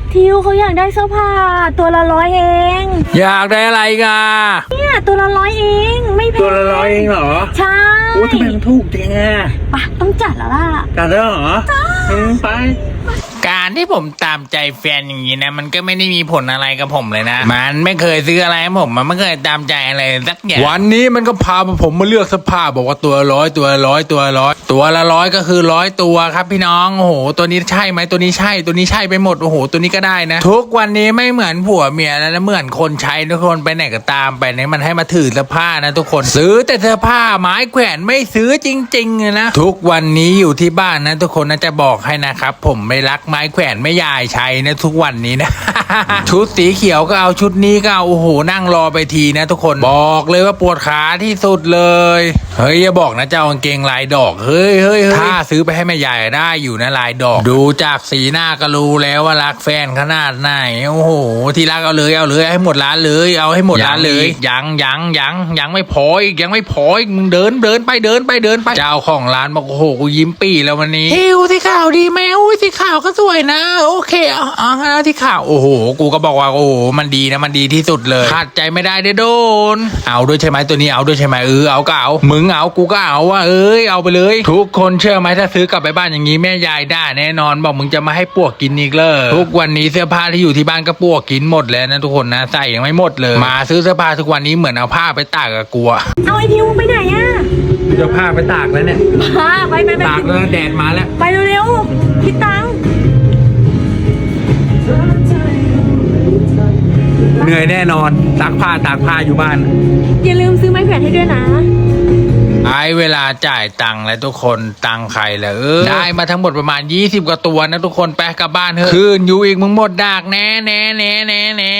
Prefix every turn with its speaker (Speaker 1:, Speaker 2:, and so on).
Speaker 1: ทิวเขาอยากได้เสื้อผ้าตัวละ100เอง
Speaker 2: อยากได้อะไรกัน
Speaker 1: เนี่ยตัวละ100เองไม่แพง
Speaker 2: ตัวละ100เองเหรอ
Speaker 1: ใช่
Speaker 2: โอ้ทำไมมันถูกจังอ่ะ
Speaker 1: ปะต้องจัดแล้วล่ะ
Speaker 2: จัดแล้วเหรอไป
Speaker 3: การที่ผมตามใจแฟนอย่างนี้นะมันก็ไม่ได้มีผลอะไรกับผมเลยนะมันไม่เคยซื้ออะไรให้ผมมันไม่เคยตามใจอะไรสักอย่าง
Speaker 2: วันนี้มันก็พาผมมาเลือกเสื้อผ้าบอกว่าตัวละ100ตัวละ100ตัวละ100ตัวละ100ก็คือ100ตัวครับพี่น้องโอ้โหตัวนี้ใช่ไหมตัวนี้ใช่ตัวนี้ใช่ไปหมดโอ้โหตัวนี้ก็ได้นะทุกวันนี้ไม่เหมือนผัวเมียแล้วนะเหมือนคนใช้ทุกคนไปไหนก็ตามไปเนี่ยมันให้มาถือเสื้อผ้านะทุกคนซื้อแต่เสื้อผ้าไม้แขวนไม่ซื้อจริงๆเลยนะทุกวันนี้อยู่ที่บ้านนะทุกคนนะจะบอกให้นะครับผมไม่รักไม้แขวนไม่ยายใช้นะทุกวันนี้นะ ชุดสีเขียวก็เอาชุดนี้ก็เอาโอ้โหนั่งรอไปทีนะทุกคนบอกเลยว่าปวดขาที่สุดเลยเฮ้ยอย่าบอกนะเจ้ากางเกงลายดอกเฮ้ยถ้าซื้อไปให้แม่ยายได้อยู่นะลายดอกดูจากสีหน้าก็รู้แล้วว่ารักแฟนขนาดไหนโอ้โหที่รักเอาเลยให้หมดร้านเลยเอาให้หมดร้านเลยยังไม่พออีกยังไม่พออีกมึงเดินไปเจ้าของร้านบอกโอ้โหกูยิ้มปี่แล้ววันนี้เฮ้ยสีขาวดีไหมอุ้ยสีขาวก็สวยนะโอเคเอาที่ขาวโอ้โหกูก็บอกว่าโอ้โหมันดีนะมันดีที่สุดเลยขาดใจไม่ได้โดนเอาด้วยใช่ไหมตัวนี้เอาด้วยใช่ไหมเอาก็เอามึงเอากูก็เอาว่าเอาไปเลยทุกคนเชื่อไหมถ้าซื้อกลับไปบ้านอย่างนี้แม่ยายด่าแน่นอนบอกมึงจะมาให้ปวกกินอีกเลยทุกวันนี้เสื้อผ้าที่อยู่ที่บ้านก็ปวกกินหมดแล้วนะทุกคนนะใส่ยังไม่หมดเลยมาซื้อเสื้อผ้าทุกวันนี้เหมือนเอาผ้าไปตากกับกลัว
Speaker 1: เอาไอทิวไปไหนอะ
Speaker 2: จะผ้าไปตากแล้วเนี่ย
Speaker 1: ไป
Speaker 2: ตากแล้วแดดมาแล้ว
Speaker 1: ไปเร็วๆคิดตังค์
Speaker 2: เหนื่อยแน่นอนตากผ้าอยู่บ้าน
Speaker 1: อย่าลืมซื้อไม้แขวนให้ด้วยนะ
Speaker 3: เวลาจ่ายตังค์แล้วทุกคนตังค์ใครเหรอได้มาทั้งหมดประมาณ20กว่าตัวนะทุกคนไปกลับบ้านเถอะคืนอยู่อีกมึงหมดดากแน่